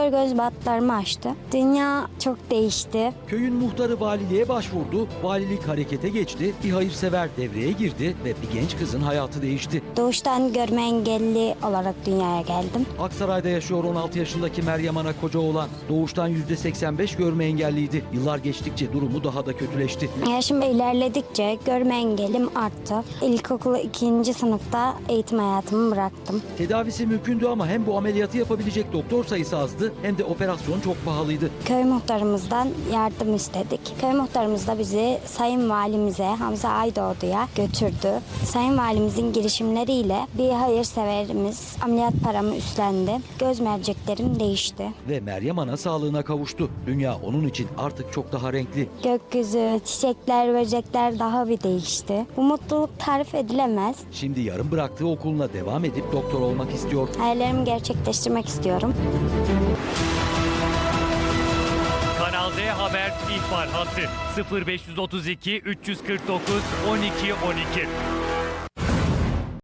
Doktor göz batlarımı açtı. Dünya çok değişti. Köyün muhtarı valiliğe başvurdu, valilik harekete geçti, bir hayırsever devreye girdi ve bir genç kızın hayatı değişti. Doğuştan görme engelli olarak dünyaya geldim. Aksaray'da yaşıyor 16 yaşındaki Meryem Ana Kocaoğlan. Doğuştan %85 görme engelliydi. Yıllar geçtikçe durumu daha da kötüleşti. Yaşım ilerledikçe görme engelim arttı. İlkokulu 2. sınıfta eğitim hayatımı bıraktım. Tedavisi mümkündü ama hem bu ameliyatı yapabilecek doktor sayısı azdı hem de operasyon çok pahalıydı. Köy muhtarımızdan yardım istedik. Köy muhtarımız da bizi Sayın Valimize Hamza Aydoğdu'ya götürdü. Sayın Valimizin girişimleriyle bir hayırseverimiz ameliyat paramı üstlendi. Göz merceklerim değişti. Ve Meryem Ana sağlığına kavuştu. Dünya onun için artık çok daha renkli. Gökyüzü, çiçekler, böcekler daha bir değişti. Bu mutluluk tarif edilemez. Şimdi yarım bıraktığı okuluna devam edip doktor olmak istiyor. Hayallerimi gerçekleştirmek istiyorum. Kanal D Haber ihbar hattı 0532 349 12 12.